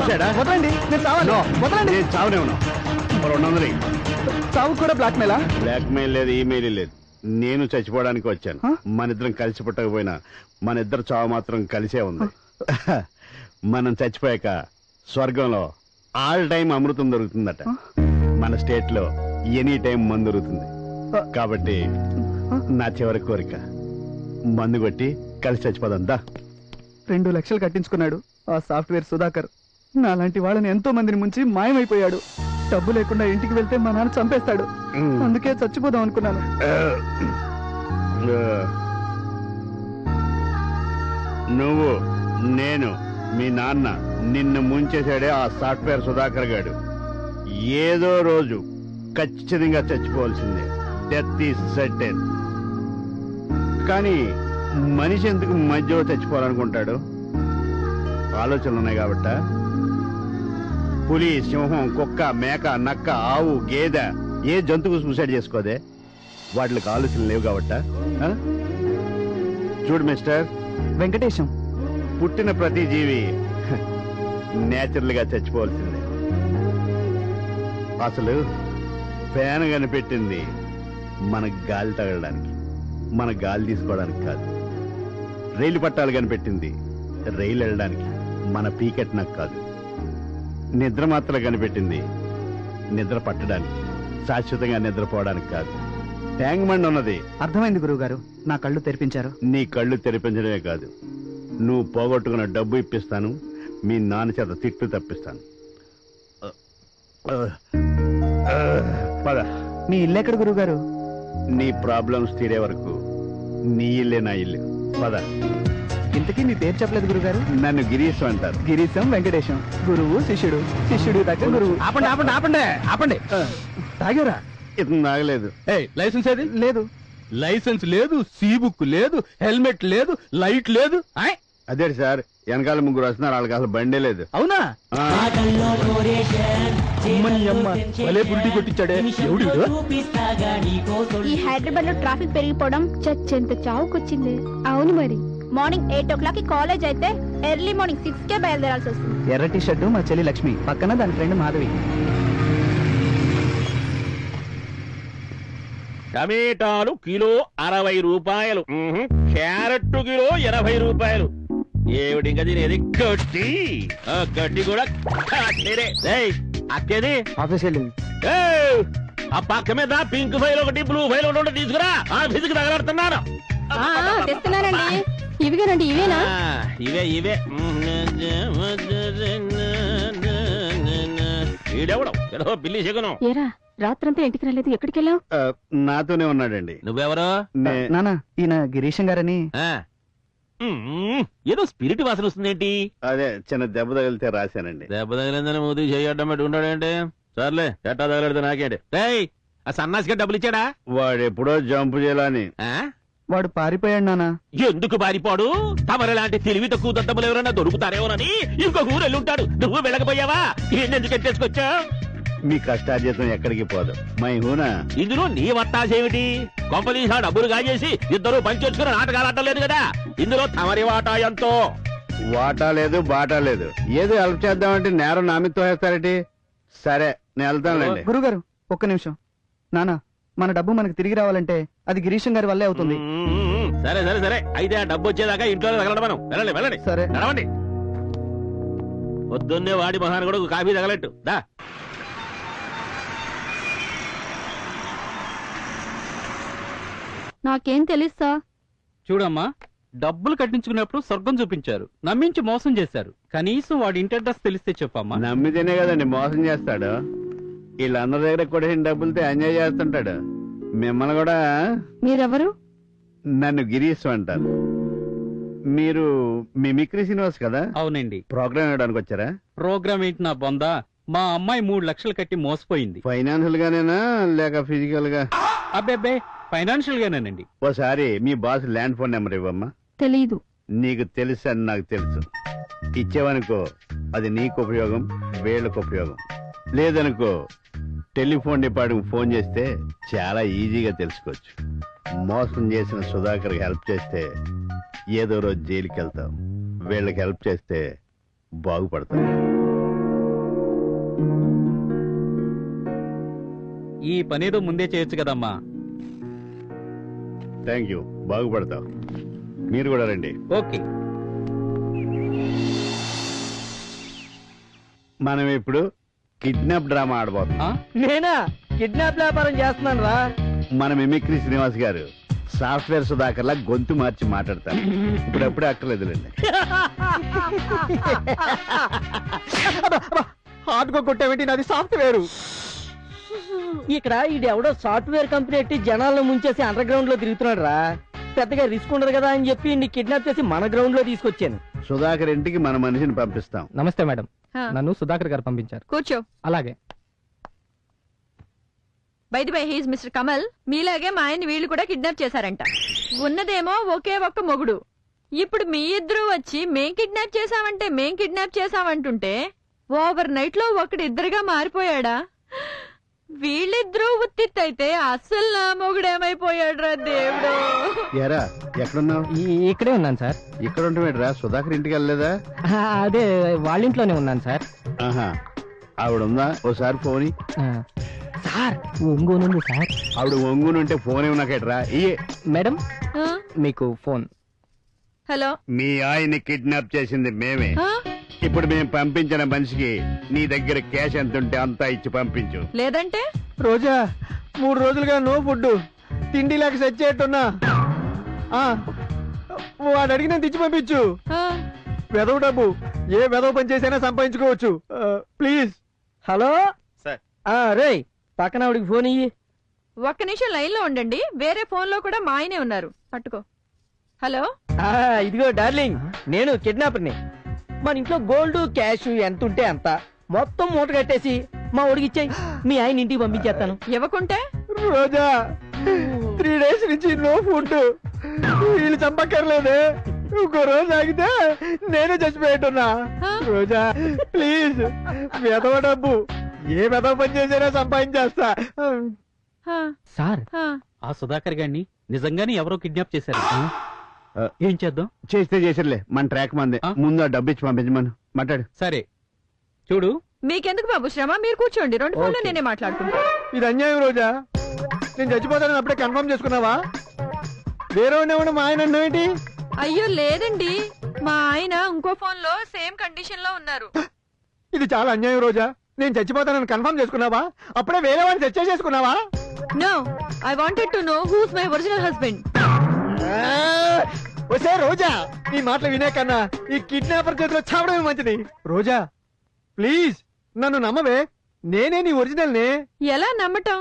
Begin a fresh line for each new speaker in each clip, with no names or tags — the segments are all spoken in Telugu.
చూసాడా?
వదలండి, నేను చావాలి. వదలండి.
నేను చావనే ఉన్నా. 200
చావు కూడా బ్లాక్మెయిలా?
బ్లాక్మెయిల్ లేదు, ఈమెయిల్ లేదు. నేను చచ్చిపోవడానికి వచ్చాను. మన ఇద్దరం కలిసి పుట్టకపోయినా మన ఇద్దరు చావు మాత్రం కలిసే ఉంది. మనం చచ్చిపోయాక స్వర్గంలో ఆల్ టైం అమృతం దొరుకుతుందట. మన స్టేట్ లో ఎనీ టైం మందు దొరుకుతుంది. కాబట్టి నా చివరి కోరిక మందు కొట్టి కలిసి చచ్చిపోదంతా.
2 లక్షలు కట్టించుకున్నాడు ఆ సాఫ్ట్వేర్ సుధాకర్. నాలాంటి వాళ్ళని ఎంతో మందిని ముంచి మాయమైపోయాడు. డబ్బు లేకుండా ఇంటికి వెళ్తే మా నాన్న చంపేస్తాడు. అందుకే చచ్చిపోదాం అనుకున్నాను.
నువ్వు, నేను, మీ నాన్న నిన్ను ముంచేశాడే ఆ సాఫ్ట్వేర్ సుధాకర్ గాడు. ఏదో రోజు ఖచ్చితంగా చచ్చిపోవాల్సిందే. Death is certain. కానీ మనిషి ఎందుకు మధ్యలో చచ్చిపోవాలనుకుంటాడు? ఆలోచనలు ఉన్నాయి కాబట్ట. పులి, సింహం, కుక్క, మేక, నక్క, ఆవు, గేదె ఏ జంతువు సూసైడ్ చేసుకోదే? వాటికి ఆలోచనలు లేవు కాబట్ట. చూడు మిస్టర్
వెంకటేశం,
పుట్టిన ప్రతి జీవి నేచురల్ గా చచ్చిపోవాల్సిందే. అసలు ఫ్యాన్ కనిపెట్టింది మన గాలి తగలడానికి, మన గాలి తీసుకోవడానికి కాదు. రైలు పట్టాలు కనిపెట్టింది రైలు వెళ్ళడానికి, మన పీకెట్ నాకు కాదు. నిద్ర మాత్రం కనిపెట్టింది నిద్ర పట్టడానికి, శాశ్వతంగా నిద్రపోవడానికి కాదు. ట్యాంక్ బండ్ ఉన్నది.
అర్థమైంది గురువుగారు, నా కళ్ళు తెరిపించారు.
నీ కళ్ళు తెరిపించడమే కాదు, నువ్వు పోగొట్టుకున్న డబ్బు ఇప్పిస్తాను, మీ నాన్న చేత తిట్లు తప్పిస్తాను. పద.
మీ ఇల్లు ఎక్కడ గురువుగారు?
నీ ప్రాబ్లమ్స్ తీరే వరకు నీ ఇల్లే నా ఇల్లు. పద.
ఇంతకీ మీ పేరు చెప్పలేదు గురుగారు.
నన్ను గిరీశం అంటారు.
గిరీశం వెంకటేశం. గురువు శిష్యుడు, శిష్యుడు దగ్గర గురువు.
ఆపండి ఆపండి ఆపండి ఆపండి.
తాగారా?
ఇతను తాగలేదు.
లైసెన్స్ ఏది?
లేదు.
లైసెన్స్ లేదు, సీ బుక్ లేదు, హెల్మెట్ లేదు, లైట్ లేదు.
అదే సార్, వెనకాల ముగ్గురు వస్తున్నారు, వాళ్ళకి అసలు బండే లేదు.
అవునా? భలే పురిటి కొట్టించాడే.
ఈ హైదరాబాద్ లో ట్రాఫిక్ పెరిగిపోవడం చచ్చెంత చావుకొచ్చింది. అవును మరి. మార్నింగ్ 8 o'clock కి కాలేజ్ అయితే ఎర్లీ మార్నింగ్ 6 కే బయలుదేరాల్సి వస్తుంది.
ఎర్ర టీ షర్టు మా చెల్లి లక్ష్మి, పక్కన దాని ఫ్రెండ్ మాధవి.
టమేటాలు కిలో 60 రూపాయలు, క్యారెట్ కిలో 80 రూపాయలు. ఏమిటి తినేది? గడ్డి. గడ్డి కూడా అక్కేది
ఆఫీస్ వెళ్ళింది.
ఆ పక్క మీద పింక్ ఫైల్ ఒకటి, బ్లూ ఫైల్ ఒకటి తీసుకురా. ఆఫీస్కి తగలాడుతున్నాను.
తెస్తున్నానండి. ఇవిగానండి. ఇవేనా?
ఇవే ఇవే. ఈడెవడం ఏదో బిల్లి శకునం.
ఏరా, రాత్రంతా ఇంటికి రాలేదు, ఎక్కడికి వెళ్ళావు?
నాతోనే ఉన్నాడండి.
నువ్వెవరో?
నానా, ఈయన గిరీశం గారని.
ఏదో స్పిరిట్ వాసన వస్తుందేంటి?
అదే చిన్న దెబ్బ తగిలితే రాశానండి.
దెబ్బ తగిలిందని మూతి చేయడం పెట్టి ఉంటాడేంటి? సర్లే, ఎట్టా తగలడితే నాకేంటి? ఆ సన్నాసిగా డబ్బులు ఇచ్చాడా?
వాడు ఎప్పుడో జంపు చేయాలని.
వాడు పారిపోయాడు నానా.
ఎందుకు పారిపోడు? తమరు లాంటి తెలివి తక్కువ దత్తములు ఎవరైనా దొరుకుతారేమోనని ఇంకొక ఊరు వెళ్ళుంటాడు. నువ్వు వెళ్ళకపోయావా? ఎందుకు ఎట్టేసుకొచ్చా?
మీ కష్టార్జితం ఎక్కడికి పోదు. మై హూనా.
ఇందులో నీ వత్తాసేమిటి? కొంపదీసా డబ్బులు కాజేసి ఇద్దరు పంచొచ్చుకుని నాటకాలు ఆడలేదు కదా. ఇందులో తమరి వాటా ఎంతో?
వాటా లేదు, బాటా లేదు. ఏదో హెల్ప్ చేద్దామంటే నేరం నామితో వేస్తారేటి? సరే, నేను వెళ్తానులేండి.
గురుగారు ఒక్క నిమిషం. నానా, మన డబ్బు మనకు తిరిగి రావాలంటే అది గిరీశం గారి వల్లే అవుతుంది.
సరే సరే సరే, అయితే ఆ డబ్బు వచ్చేదాకా ఇంట్లో తగలడం. మనం వెళ్ళండి వెళ్ళండి.
సరే
నడవండి. పొద్దున్నే వాడి మహాన్ కూడా కాఫీ తగలట్టు దా.
నాకేం తెలుసా?
చూడమ్మా, డబ్బులు కట్టించుకున్నప్పుడు స్వర్గం చూపించారు, నమ్మించి మోసం చేశారు. కనీసం వాడి ఇంటి అడ్రస్ తెలిస్తే చెప్పమ్మా.
నమ్మితేనే కదండి మోసం చేస్తాడు. వీళ్ళందరి దగ్గర కూడా డబ్బులతో ఎంజాయ్ చేస్తుంటాడు. మిమ్మల్ని కూడా.
మీరెవరు?
నన్ను గిరీశం అంటారు. మీరు మిమిక్రీ శ్రీనివాస్ కదా?
అవునండి.
ప్రోగ్రామ్ ఇవ్వడానికి వచ్చారా?
ప్రోగ్రామ్ ఏంటి నా బొందా? మా అమ్మాయి 3 లక్షలు కట్టి మోసపోయింది.
ఫైనాన్షియల్ గానేనా లేక ఫిజికల్ గా?
అబ్బే, ఫైనాన్షియల్ గానేనండి.
ఓసారి మీ బాస్ ల్యాండ్ ఫోన్ నెంబర్ ఇవ్వమ్మా.
తెలీదు.
నీకు తెలుసు అని నాకు తెలుసు. ఇచ్చేవనుకో అది నీకు ఉపయోగం, వీళ్ళకు ఉపయోగం. లేదనుకో టెలిఫోన్ డిపార్ట్మెంట్ ఫోన్ చేస్తే చాలా ఈజీగా తెలుసుకోవచ్చు. మోసం చేసిన సుధాకర్ హెల్ప్ చేస్తే ఏదో రోజు జైలుకి వెళ్తాం. వీళ్ళకి హెల్ప్ చేస్తే బాగుపడతాం.
ఈ పనేదో ముందే చేయొచ్చు కదమ్మా.
థ్యాంక్ యూ, బాగుపడతావు. మీరు కూడా రండి.
ఓకే.
మనం ఇప్పుడు కిడ్నాప్ డ్రామా ఆడబోతున్నాం.
నేనా కిడ్నాప్ వ్యాపారం చేస్తున్నాను రా.
మన మిమిక్రీ శ్రీనివాస్ గారు సాఫ్ట్వేర్ సుధాకర్లా గొంతు మార్చి మాట్లాడతారు. ఇప్పుడప్పుడే అక్కర్లేదులేండి.
హార్డ్గా కొట్టేమిటి, నాది సాఫ్ట్వేర్. ఇక్కడ ఇది ఎవడో సాఫ్ట్వేర్ కంపెనీ పెట్టి జనాలను ముంచేసి అండర్ గ్రౌండ్ లో తిరుగుతున్నాడు రా. పెద్దగా రిస్క్ ఉండదు కదా అని చెప్పి నీ కిడ్నాప్ చేసి మన గ్రౌండ్ లో తీసుకొచ్చాను.
సుధాకర్ ఇంటికి మన మనిషిని పంపిస్తాం.
నమస్తే మేడం, నన్ను సుధాకర్ గారు పంపించారు.
కూర్చో.
అలాగే.
By he's Mr Kamal. మీలాగే మా ఆయన్ని వీళ్ళు కూడా కిడ్నాప్ చేశారంట. ఉన్నదేమో ఒకే ఒక్క మొగుడు. ఇప్పుడు మీ ఇద్దరు వచ్చి మేం కిడ్నాప్ చేశామంటుంటే ఓవర్ నైట్ లో ఒకడు ఇద్దరుగా మారిపోయాడా? వీళ్ళిద్దరూ ఉత్తిత్తైతే అస్సలు నా మొగుడేమైపోయాడు రా దేవుడు.
ఎరా ఎక్కడున్నావు?
ఇక్కడే ఉన్నాను సార్.
ఇక్కడ ఉంటామేట్రా, సుధాకర్ ఇంటికి వెళ్ళలేదా?
అదే వాళ్ళ ఇంట్లోనే ఉన్నాను సార్.
ఆహా, ఆవిడ ఉందా? ఓసారి ఫోన్
సార్ ఒంగోనుంది సార్.
ఆవిడ ఒంగునుంటే ఫోన్ ఏమన్నాకేట్రా? ఇయే
మేడం
ఆ?
మీకు ఫోన్.
హలో.
మీ ఆయన్ని కిడ్నాప్ చేసింది మేమే.
ఆ?
ఇప్పుడు మేము పంపించిన మనిషికి నీ దగ్గర క్యాష్ ఎంత ఉంటే అంతా ఇచ్చి పంపించు.
లేదంటే
రోజా 3 రోజులుగా నో ఫుడ్, తిండి లేక సచ్చేట్టున్నా. వాడు అడిగిన తెచ్చి పంపించు.
ఆ?
వెదవ డబ్బు ఏ వెదవ పని చేసైనా సంపాదించుకోవచ్చు. ప్లీజ్. హలో రే, పక్కన ఆవిడికి ఫోన్ ఇయ్యి.
ఒక్క నిమిషం లైన్ లో ఉండండి. వేరే ఫోన్ లో కూడా మా ఆయనే ఉన్నారు. పట్టుకో. హలో.
ఇదిగో డార్లింగ్, నేను కిడ్నాపర్ని. మన ఇంట్లో గోల్డ్ క్యాష్ ఎంత ఉంటే అంత మొత్తం మూట కట్టేసి మా ఊడికి ఇచ్చాయి. మీ ఆయన ఇంటికి పంపించేస్తాను.
ఇవ్వకుంటే
రోజా 3 డేస్ నుంచి నో ఫుడ్. వీళ్ళు చంపక్కర్లేదు, ఇంకో రోజు ఆగితే నేనే చచ్చిపోయేట్టున్నా. రోజా ప్లీజ్, వెదవ డబ్బు ఏ వెదవ పని చేసినా సంపాదించేస్తా. సార్,
ఆ సుధాకర్ గారిని నిజంగానే ఎవరో కిడ్నాప్ చేశారు. ఏం చేద్దాం?
చేస్తే చేసిర్లే, మన ట్రాక్ మంది. ముందు ఆ డబ్బు ఇచ్చి పంపించమను. మాట్లాడు.
సరే చూడు.
మీకెందుకు బాబు శ్రమ? మీరు కూర్చోండి. 2 ఫోన్లు నేనే మాట్లాడుకుంటా.
ఇది అన్యాయం రోజా. నేను చచ్చిపోతానని అప్పుడే కన్ఫర్మ్ చేసుకున్నావా? వేరే ఉండేవాడు మా ఆయన అన్నావేంటి?
అయ్యో లేదండి, మా ఆయన ఇంకో ఫోన్ లో సేమ్ కండిషన్ లో ఉన్నారు.
ఇది చాలా అన్యాయం రోజా. నేను చచ్చిపోతానని కన్ఫర్మ్ చేసుకున్నావా? అప్పుడే వేరే వాడిని చర్చ చేసుకున్నావా?
No, I wanted to know who's my original husband.
వచ్చే రోజా, నీ మాటలు వినే కన్నా ఈ కిడ్నాపర్ చేతిలో చావడమే మంచిది. రోజా ప్లీజ్ నన్ను నమ్మవే, నేనే నీ ఒరిజినల్ నే.
ఎలా నమ్మటం?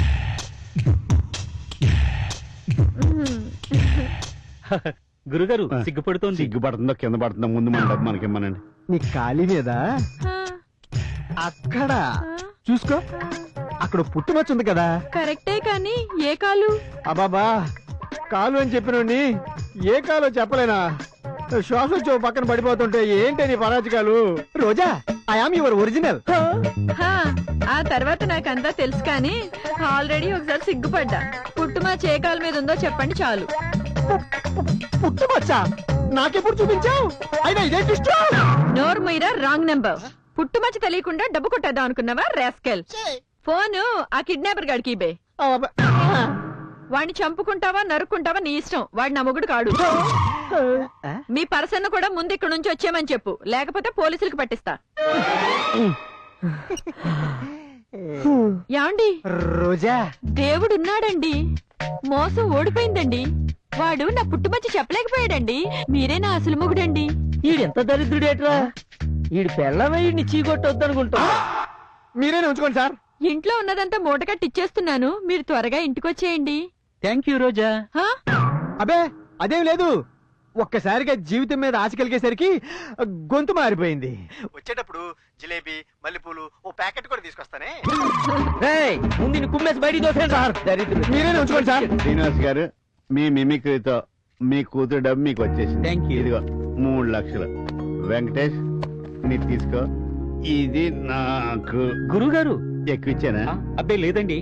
గురుగారు సిగ్గుపడుతోంది.
సిగ్గుపడుతుందో కింద పడుతుందో ముందు మన డబ్బు మనకిమ్మనండి.
నీ ఖాళీ మీద అక్కడ చూసుకో, అక్కడ పుట్టుమచ్చ ఉంది కదా.
కరెక్టే, కానీ ఏ కాలు?
అబాబా, కాలు అని చెప్పినోడిని ఏ కాలో చెప్పలేనా? శ్వాస వచ్చి పక్కన పడిపోతుంటే ఏంటి నీ పరాజకాలు? Roja, I am your original.
ఆ తర్వాత నాకంతా తెలుసు, కానీ ఆల్రెడీ ఒకసారి సిగ్గుపడ్డా. పుట్టుమా ఏ కాలు మీద ఉందో చెప్పండి చాలు.
పుట్టుమచ్చ నాకెప్పుడు చూపించావు? అయినా ఇదే ట్విస్ట్.
నోర్ మీరా, రాంగ్ నెంబర్. పుట్టుమచ్చ తెలియకుండా డబ్బు కొట్టేద్దాం అనుకున్నావా రాస్కెల్? ఫోను ఆ కిడ్నాపర్ గాడికి ఇబే. వాడిని చంపుకుంటావా నరుక్కుంటావా నీ ఇష్టం. వాడి నా మొగుడు కాడు. మీ పర్సన్ కూడా ముందు ఇక్కడ నుంచి వచ్చేయమని చెప్పు, లేకపోతే పోలీసులకు పట్టిస్తా. యాండి
రోజా,
దేవుడున్నాడండి, మోసం ఓడిపోయిందండి. వాడు నా పుట్టుమచ్చి చెప్పలేకపోయాడండి. మీరే నా అసలు మొగుడండి.
ఈడెంత దరిద్రుడేట్రా. ఈడు పెళ్ళమయ్యి చీకొట్టొద్దనుకుంటా. మీరేనే ఉంచుకోండి సార్.
ఇంట్లో ఉన్నదంతా మూటకట్టి ఇచ్చేస్తున్నాను, మీరు త్వరగా ఇంటికొచ్చేయండి.
థ్యాంక్ యూ రోజా.
అబే అదేం లేదు, ఒక్కసారిగా జీవితం మీద ఆశ కలిగేసరికి గొంతు మారిపోయింది. వచ్చేటప్పుడు జిలేబీ మల్లెపూలు ఓ ప్యాకెట్ కూడా తీసుకొస్తానే. ముందు కుమ్మేసి బయటికి దోసేయండి సార్. మీరేనే ఉంచుకోండి సార్.
శ్రీనివాస్ గారు, మీ మిమిక్రీతో మీ కూతురు డబ్బు మీకు వచ్చేసింది.
Thank you.
ఇదిగో 3 లక్షలు. వెంకటేష్ నీకు తీసుకో. ఇది నాకు
గురుగారు
ఎక్కువ ఇచ్చానా?
అబ్బే లేదండి,